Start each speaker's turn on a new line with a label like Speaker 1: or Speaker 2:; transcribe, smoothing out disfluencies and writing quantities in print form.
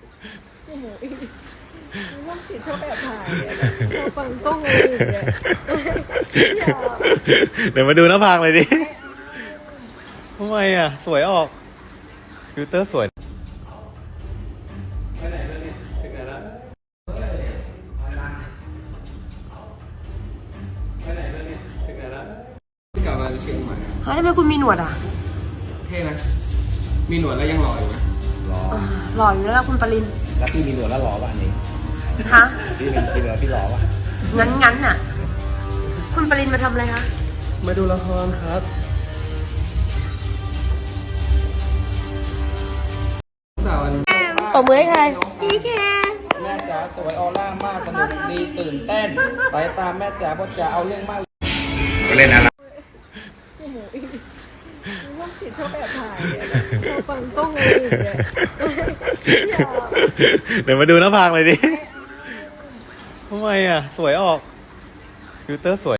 Speaker 1: โอ้โหร่วมจิตชอบแอบถ่ายเนี่ยชอบฟังกล้องอะไรอย่างเงี้ยอย่า
Speaker 2: เดี๋ยวมาดูหน้าผากเลยดิทำไมอ่ะ สวยออก ฟิลเตอร์สวยไปไหนแล้วนี่ถึงไหนแล้วไปไหนแล้วนี่ถึงไหนแล้วกลับมาเชียงใหม่
Speaker 3: เฮ้ยทำไมคุณมีหนวดอ่ะ
Speaker 2: เท่ไหมมีหนวดแล้วยังหล่ออยู่ไหม
Speaker 4: รอ
Speaker 3: หล่ออยู่แล้วล่ะคุณปริน
Speaker 4: แล้วพี่มีหนวดแล้วรอป่ะอันนี้
Speaker 3: ฮะ
Speaker 4: พี่มีหนวดพี่รอป่ะ
Speaker 3: งั้นน่ะ คุณปรินมาทำอะไรคะ
Speaker 2: มาดูละครครับสาววันนี้
Speaker 3: ตบมือให้ใคร
Speaker 4: แม่จ๋าสวยออร่ามากสนุกดีตื่นเต้นสายตาแม่จ๋าพ่อจ๋าเอาเรื่องมากไปเล่นอะไร
Speaker 1: โอ้โหร่วมจิตชอบแอบถ่ายเนี่ยชอบฟังกล้องอะไรอย่างเงี้ยอย่า
Speaker 2: เดี๋ยวมาดูหน้าผากเลยดิทำไมอ่ะ สวยออก ฟิลเตอร์สวย